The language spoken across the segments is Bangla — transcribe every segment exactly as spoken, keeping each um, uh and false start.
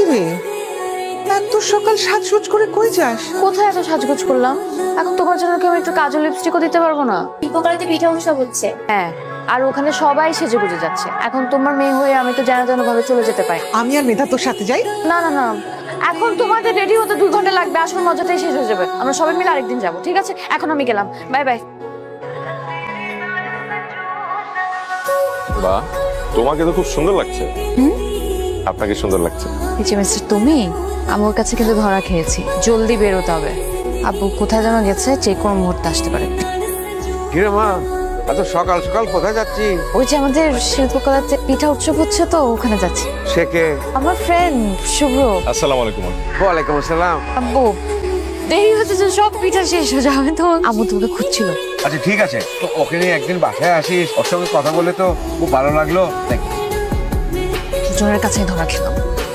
রে এত সকাল সাজগোজ করে কই যাস? কোথায় এত সাজগোজ করলাম? এখন তোমার জন্য কি আমি একটু কাজল লিপস্টিকও দিতে পারবো না? দীপকালিতে পিঠা উৎসব হচ্ছে। হ্যাঁ, আর ওখানে সবাই সেজে গুজে যাচ্ছে। এখন তোমার মেয়ে হয়ে আমি তো যেন তেন ভাবে চলে যেতে পারি। আমি আর মেধা তোর সাথে যাই? না না না, এখন তোমাদের রেডি হতে দুই ঘন্টা লাগবে, আসল মজাটাই শেষ হয়ে যাবে। আমরা সবাই মিলে আরেকদিন যাবো, ঠিক আছে? এখন আমি গেলাম, বাই বাই। বাহ, তোমাকে তো খুব সুন্দর লাগছে। আপনাকে সুন্দর লাগছে। এই যে মিস্টার, তুমি আমার কাছে কিন্তু ধরা খেয়েছি, জলদি বেরোতে হবে। আব্বু কোথায় যেন গেছে, যে কোনো মুহূর্তে আসতে পারে। কিরে মা, এত সকাল সকাল কোথায় যাচ্ছি? ওই যে আমাদের শিল্পকলাতে পিঠা উৎসব হচ্ছে, তো ওখানে যাচ্ছি। সে কে? আমার ফ্রেন্ড শুভ্র। আসসালামু আলাইকুম। ওয়ালাইকুম আসসালাম। আব্বু দেরি হচ্ছে যে সব পিঠা শেষ হয়ে যাবে, তো আম্মু তোমাকে খুঁজছিল। আচ্ছা ঠিক আছে, তো ওকে নিয়ে একদিন বাসায় আসিস, ওর সঙ্গে কথা বলে তো খুব ভালো লাগলো। দেখ দুজনের কাছেই ধরা খেলাম।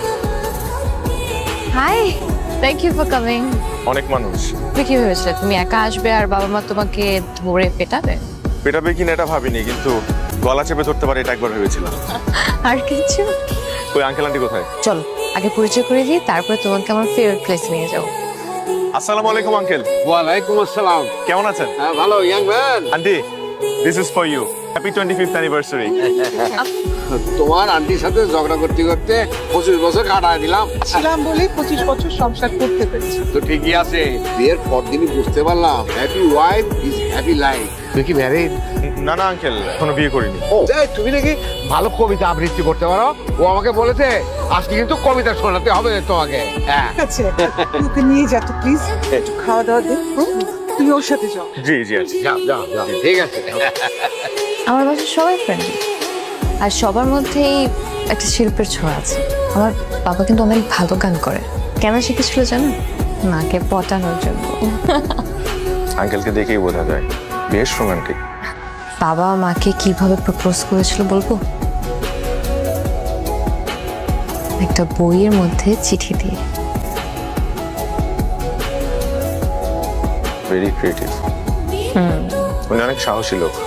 Hi, thank you for coming. অনেক মানুষ। তুমি কি ভেবেছিলে তুমি একা আসবে আর বাবা মা তোমাকে ধরে পেটাবে? পেটাবে কিনা এটা ভাবিনি, কিন্তু গলা চেপে ধরতে পারে এটা একবার ভেবেছিলাম। আর কিছু? ওই আঙ্কেল আন্টি কোথায়? চলো আগে পরিচয় করে দিই, তারপরে তোমাকে আমার ফেভারিট প্লেস নিয়ে যাও। আসসালামু আলাইকুম আঙ্কেল। ওয়ালাইকুম আসসালাম। কেমন আছেন? হ্যাঁ ভালো young man. Aunty, this is for you. Happy twenty fifth anniversary. তোমার আন্টির সাথে ঝগড়া করতে করতে পঁচিশ বছর কাটায় দিলাম। ছিলাম বলে পঁচিশ বছর সংসার করতে পেরেছি। তো ঠিকই আছে, বিয়ের পর দিনই বুঝতে পারলাম happy wife is happy life. তুই কি ম্যারিড? না না আঙ্কেল, এখনো বিয়ে করিনি। ও এই, তুমি নাকি ভালো কবিতা আবৃত্তি করতে পারো। ও আমাকে বলেছে আজকে কিন্তু কবিতা শোনাতে হবে তোমাকে। হ্যাঁ ঠিক আছে, ওকে নিয়ে যা তো প্লিজ, একটু খাওয়া দাওয়া দে। হুম? তুমি ওর সাথে যাও। জি জি আন্টি। যাও যাও যাও, ঠিক আছে। আমার বাসায় সবাই ফ্রেন্ডলি, আর সবার মধ্যেই একটা শিল্পের ছোঁয়া আছে। আমার বাবা কিন্তু অনেক ভালো গান করে। কেন শিখেছিল জানো? মাকে পটানোর জন্য। আঙ্কেলকে দেখেই বোঝা যায় বেশ রোমান্টিক। বাবা মাকে কিভাবে প্রপোজ করেছিল বলবো? একটা বইয়ের মধ্যে চিঠি দিয়ে। Very creative. উনি অনেক সাহসী লোক।